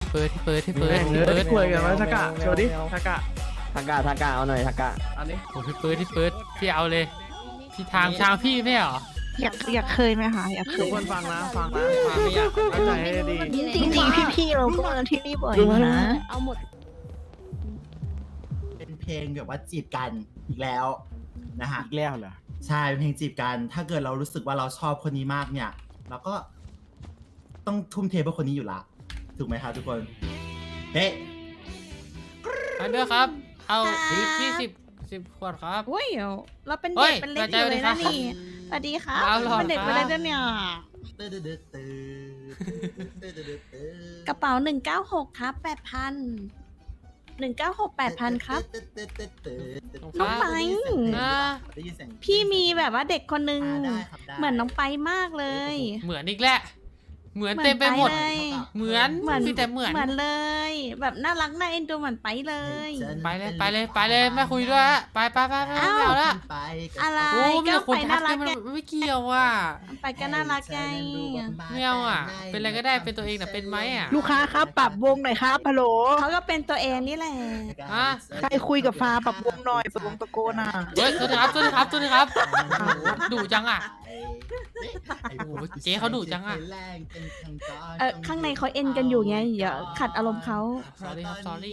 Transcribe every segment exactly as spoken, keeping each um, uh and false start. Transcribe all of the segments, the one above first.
เปิดที่เปิดที่เปิดที่เปิเปิดดคุยกันไหมทากะโชว์ดิทากะทากาทากาเอาหน่อยทากาอันนี้โอ้พี่เปิดที่เปิดพี่เอาเลยพี่ทางทางพี่ไม่เหรออยากอยากเคยไหมคะอยากเคทุกยคนฟังนะฟังนะฟังไม่อยากตั้งใจให้ดีจริงจริงๆพี่ๆเราก็มาที่นี่บ่อยนะเอาหมดเป็นเพลงแบบว่าจีบกันอีกแล้วนะฮะอีกแล้วเหรอใช่เป็นเพลงจีบกัน ถ้าเกิดเรารู้สึกว่าเราชอบคนนี้มากเนี่ยเราก็ต้องทุ่มเทเพื่อคนนี้อยู่ละถูกไหมครับทุกคนเฮ้ยอันเดอร์ครับเอาพี่สิบสิบขวดครับโอ้ยเราเป็นเฮ้เด็ยกเป็นเล็กใจอยู่เลเลย ยครันะบนี่สวัสดีครับเอาหลอดเป็นเด็กครับเป็นเล็กด้วยเนี่ยตื้อตื้อตื้อตื้อกระเป๋าหนึ่งเก้าหกครับแปดพันหนึ่งเก้าหกแปดพันครับ น้องไปอ่าได้ยินเสียงพี่มีแบบว่าเด็กคนนึงอ่าได้ครับได้เหมือนน้องไปมากเลยเหมือนอีกแล้วเหมือนเต็มไปหมดเลยเหมือนเหมือนมีแต่เหมือนเหมือนเลย แบบน่ารักน่าเอ็นดูเหมือนไปเลยไปเลยไปเลยไปเลยไม่คุยด้วยฮะไปไปไปไปไม่เอาละไปกับอะไรโอ้ไม่ก็แต่คุไปณทัน่าก รักมันไงไม่เกี่ยวอ่ะไปก็น่ารักไงไม่เอาอ่ะเป็นอะไรก็ได้เป็นตัวเองแต่เป็นไหมอ่ะลูกค้าครับปรับวงหน่อยครับฮัลโหลเขาก็เป็นตัวเองนี่แหละอ่ะใครคุยกับฟ้าปรับวงหน่อยปรับวงตะโกนอ่ะเฮ้ยตัวนี้ครับตัวนี้ครับตัวนี้ครับดุจังอ่ะ โอ้โหเจ๊เขาดุจังอะเออข้างในเขาเอ็นกันอยู่ไงอย่าขัดอารมณ์เขา sorry ครับ sorry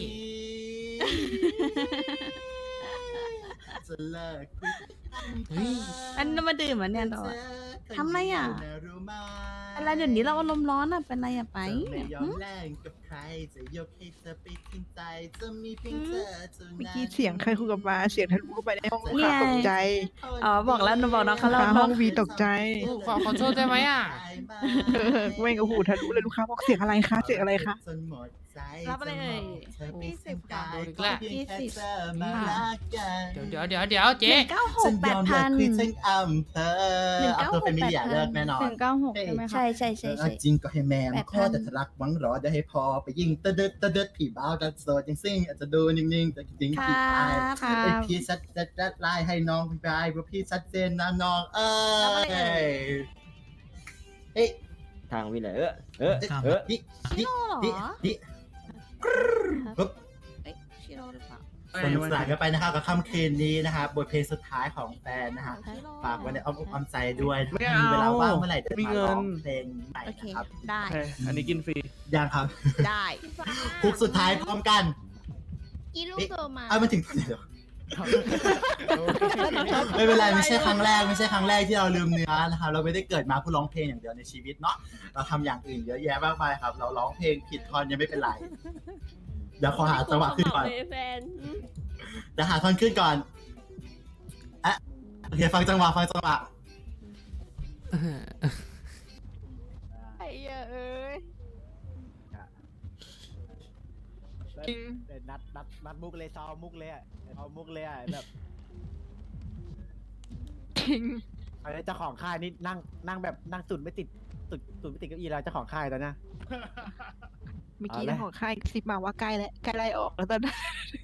เฮ้ยอันนั้นมาดื่มอ่ะเนี่ยเราอะ ทำไรอ่ะ อะไรเดี๋ยวนี้เราอารมณ์ร้อนอ่ะเป็นไรอ่ะไปจะไม่ยอหึมแลกกับใครจะยกให้เธอไปทิ้งใจจะมีเพียงเธอเท่านั้นเมื่อกี้เสียงใครคุยกับฟ้าเสียงทะลุเข้าไปในห้องลูกเนี่ค้าย ตกใจอ๋อบอกแล้วหนูบอกน้องเขาลูกแล้วค้าห้องวีตกใจขอขอโทษได้ไหมอ่ะเออเว้งกับหูทะลุเลยลูกค้าบอกเสียงอะไรคะเสียงอะไรคะจนหมดใจรับอะไรเอ่ยเธอไปสิ้นกายอีกแล้วเพียงแค่เธอมารักกันเดี๋ยวเดี๋ยวเดี๋ยวเดี๋ยวหเจ๊นึ่งเก้าหฉักนแปยดอมพัเลิกนคุยทั้งอำเภอหนึ่งเก้าหกอำเภอเป็นมิเลียเลิกแน่นอนหนึ่งเก้าหกใช่ไหมคะใช่ใช่ใช่เอใช่อจริงก็ให้แมนแปดพันข้อแต่ทะลักหวังรอได้ให้พอไปยิงตะเด็ดตะเด็ดผีบ้าวดัดโซดยังซิ่งอาจจะดูนิ่งๆแต่จริงคผีรัตายบค่ะไอพี่ชัดจัดจัดไล่ให้น้องพี่ไปเพราะพี่ชัดเจนนะน้องเอ้ยเฮ้ยทางวิเลยเออเออเออดิดิชิโร่เหรดิอดิเอ้ยชิโร่หรือเปล่าสนุกสนานกันไปนะครับกับค่ำคืนนี้นะครับบทเพลงสุดท้ายของแฟนนะฮะฝากไว้ในอ้อมอกอ้อมใจด้วยถ้ามีเวลาว่างเมื่อไหร่จะมาร้องเพลงใหม่โอเคนะครับได้โอเคอันนี้กินฟรียังครับได้คุกสุดท้ายพร้อมกันอีลูกโตมาเอามาถึงตรงไหนแล้ว ไม่เป็นไรไม่ใช่ครั้งแรกไม่ใช่ครั้งแรกที่เราลืมเนื้อนะครับเราไม่ได้เกิดมาเพื่อร้องเพลงอย่างเดียวในชีวิตเนาะเราทำอย่างอื่นเยอะแยะมากมายครับ เราร้องเพลงผิดท่อนยังไม่เป็นไรเดี๋ยวขอหาจังหวะขึ้นก่อนแฟนเดี๋ยวหาท่อนขึ้นก่อนอ่ะโอเคฟังจังหวะฟังจังหวะไอ้เอ้ยนัดนัดนัดมุกเลยซอมุกเลยอ่ะเอามุกเลยอ่ะแบบจริงอะไรเจ้าของค่ายนี่นั่งนั่งแบบนั่งตุ่นไม่ติดตุ่นตุ่นไม่ติดเก้าอี้แล้วเจ้าของค่ายตอนนี้เมื่อกี้เอาเลยเจ้าของค่ายซิบมาว่าใกล้แล้วใกล้ไล่ออกแล้วตอนนั้น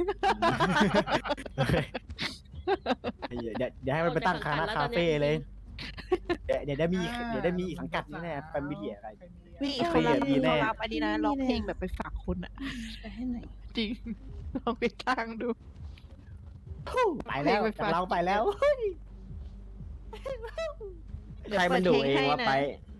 เดี๋ยวเดี๋ยวให้มันไปตั้งคานาคาเฟ่เลยเดี๋ยวเดี๋ยวได้มีเดี๋ยวได้มีอีกสังกัดแน่แฟมิเลียอะไรนี่โอเคเขารับดีแน่เขารับอันนี้นะร้องเพลงแบบไปฝากคุณอ่ะไปให้หน่อยจริงลองไปจ้างดูไปแล้วเพลงไปฟังเราไปแล้ว ใครมันดูเองว่าไป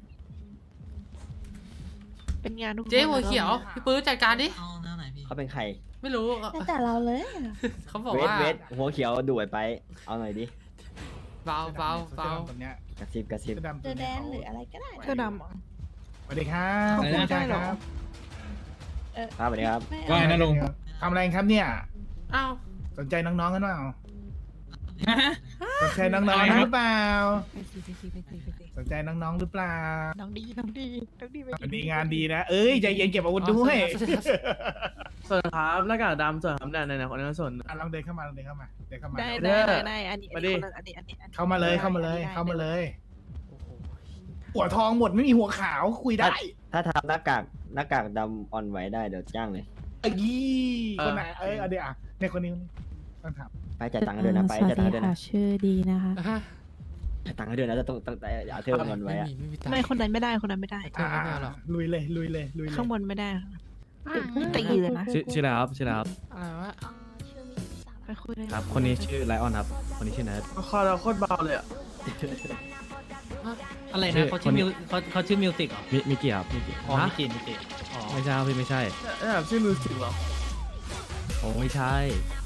เป็นงานทุกเจ๊หัวเขียวพี่ปื้อจัดการดิเขาเป็นใครไม่รู้ตั้งแต่เราเลยอะเขาบอกเวทว่าเวทหัวเขียวดูไอ้ไป เอาหน่อยดิเบาเบาเบาตัวเนี้ยกระซิบกระซิบเสื้อดำเจตัวอแดเนี้ยนหรืออะไรก็ได้เสื้อดำเหรอสวัสดีครับเขาพูดได้เหรอครับครับสวัสดีครับไม่ว่าเอาไงนะลุงทำอะไรครับเนี่ยอ้าวสนใจน้องๆกันเปล่าสนใจน้องๆหรือเปล่าไปสิไปสิไปสิไปสิสนใจน้องๆหรือเปล่าน้องดีน้องดีน้องดีไปวันนี้งานดีนะ เอ้ยใจเย็นเก็บอาวุธด้วยส่วนครับหน้ากากดำส่วนครับเนี่ยในคนนั้นส่วนอ่ะลองเดินเข้ามาลองเดินเข้ามาเดินเข้ามาได้เด้ได้อได้ได้อันนี้อันนี้คนละอันนี้อันนี้อันนี้เข้ามาเลยเข้ามาเลยได้ได้เข้ามาเลยโอ้โหหัวทองหมดไม่มีหัวขาวคุยได้ถ้าทำหน้ากากหน้ากากดำอ่อนไหวได้เดี๋ยวจ้างเลยเอ้ยคนไหนเอ้ยเอาเดี๋ยวอ่ะเนี่ยคนนี้คนนี้ต้องถามไปจ่ายตังค์ให้ด้วยนะไปจ่ายตังค์ให้ด้วยนะชื่อดีนะคะอ่ะจ่ายตังค์ให้ด้วยนะจะต้องต้องเอาเทอมอ่อนไหวไม่อ่ะมีไม่มีตังไม่ค์คนนั้นไม่ได้คนนั้นไม่ได้เธอไม่เอาหรอกลุยเลยลุยเลยลุยเลยข้างบนไม่ได้ตีเลยนะชื่อชื่ออะไรครับชื่ออะไรครับอะไรวะไปคุยเลยครับ คนนี้ชื่อไลออนครับ คนนี้ชื่อเนิร์ดคอเราโคตรเบาเลยอ่ะอะไรชื่นะอเขาชื่อคนนี้มิวเขาเขาชื่อมิวสิกเหรอมิมิกิครับมิกิอ๋อฮะมิกิมิกิอ๋อไม่ใช่ครับพี่ไม่ใช่เอ้ยแบบชื่อมิวสิกเหรอโอ้ไม่ใช่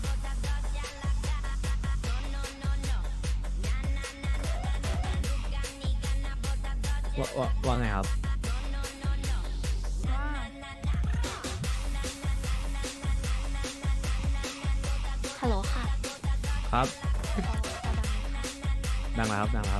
ว่าว่าว่าไงครับฮัลโหลค่ะครับ ดังแล้วครับดังแล้วครับ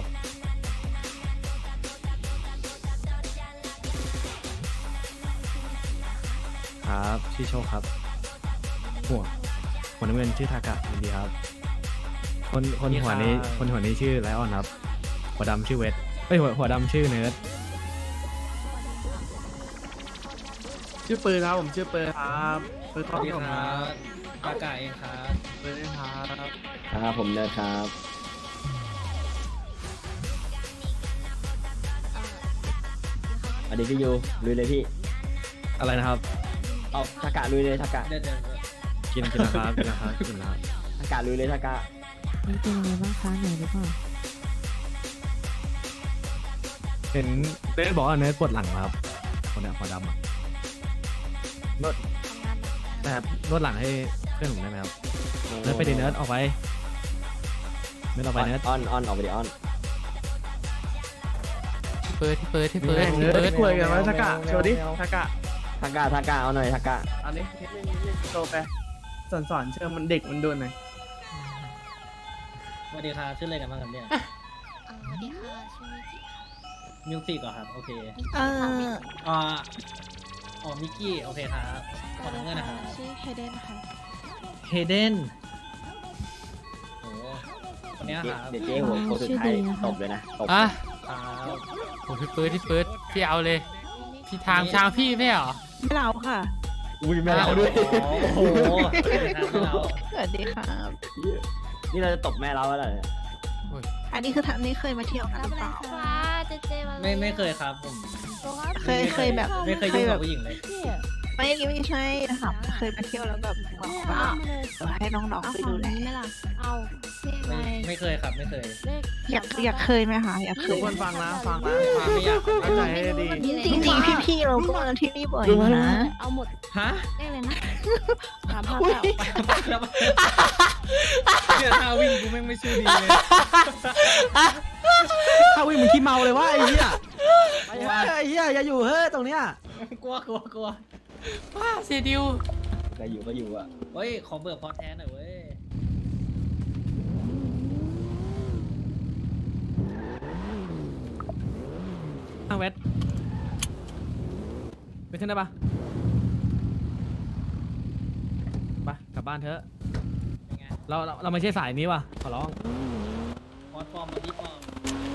ครับชื่อโชคครับหัวหัวน้ำเงินชื่อทากะยินดีครับ คนคนหัวนี้คนหัวนี้ชื่อไลออนครับ หัวดำชื่อเวทเอ้ยหัวหัวดำชื่อเนิร์ดชื่อปืนครับผมชื่อปืนครับปืนสขอวังสดีผมคครัรับบ ปากาเองครับปืนครับครับผมเนิร์ดครับสวัสดีพี่ยูลุยเลยพี่อะไรนะครับเอาทากะลุยเลยทากะเดี๋ยวเดี๋ยวเดี๋ยวกินกินแล้วครับกินแล้วครับกินแล้วครับทากะลุยเลยทากะนี่เป็นยังไงบ้างคะเหนื่อยหรือเปล่าเห็นเนิร์ดบอกว่าเนิร์ดปวดหลังครับ คนเนี้ยหัวดำอะนวดนะครับนวดหลังให้เพื่อนผมได้ไหมครับ เนิร์ดไปดิเนิร์ดออกไปเนิร์ดออกไปเนิร์ดออนออนออกไปดิออนที่เปิดที่เปิดที่เปิดเฮ้ยที่เนื้อเปิดคุยกันไหมทากะโชว์ดิทากะทากะทากะเอาหน่อยทากะอันนี้นิดนึงนิดนึงโชว์ไปสอนสอนเชิญมันเด็กมันโดนหน่อยสวัสดีครับชื่ออะไรกันบ้างครับเนี่ยสวัสดีค่ะชื่อมิกิค่ะมิวสิกเหรอครับโอเคเอออ่าอ๋อมิกกี้โอเคครับขอน้ำเงินนะครับชื่อเฮเดนค่ะเฮเดนโอ้คนเนี้ยครับเดี๋ยวเจ๊หัวโคตรสุดท้ายตบเลยนะตบอ่ะครับโอ้พี่เปิดที่เปิดพี่เอาเลย พี่ทางทางพี่ไม่เหรอไม่เราค่ะอุ้ยไม่เอาด้วยโอ้โหไม่เอาสวัสดีครับนี่เราจะตบแม่เราแล้วเหรอเนี่ยอันนี้คือทำนี่เคยมาเที่ยวกันหรือเปล่าว้าเจเจมาไม่ไม่เคยครับผมเคยเคยแบบไม่เคยยุ่งกับผู้หญิงเลยไม่ไม่ใช่ค่ะเคยมาเที่ยวแล้วแบบบอกว่าเออให้น้องๆไปดูแลไม่ล่ะ เอาเลขอะไรไม่ไม่เคยครับไม่เคยเลขอยากอยากเคยไหมคะอยากเคทุกยคนฟังนะฟังนะมาไม่อยากเข้าใจให้ดีจริงๆพี่ๆเราก็มาที่นี่บ่อยนะเอาหมดฮะเลขเลยนะสามพันอุ๊ยแล้วเนี่ยท่าวิ่งกูแม่งไม่ชื่อดีเลยถ้าวิ่งมึงขี้เมาเลยว่าไอ้เหี้ยไอ้เหี้ยอย่าอยู่เฮ้ยตรงเนี้ยกลัวกลัวกลัวว้าเสียดิวก็อยู่ก็อยู่อ่ะเฮ้ยขอเบิกพอแท้หน่อยเว้ยอ้าวเวทไปขึ้นได้ปะไปกลับบ้านเถอะเป็นไงเราเราเราไม่ใช่สายนี้ว่ะขอร้องพอดฟอร์มมาที่ฟอร์ม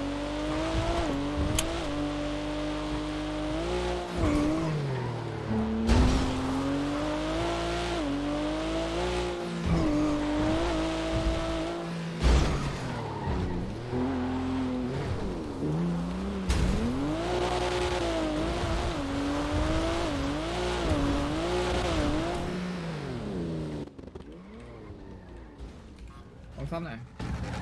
เอาซ้ำหน่อย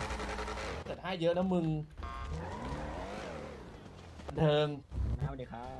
เกิดให้เยอะนะมึงเทิงสวัสดีครับ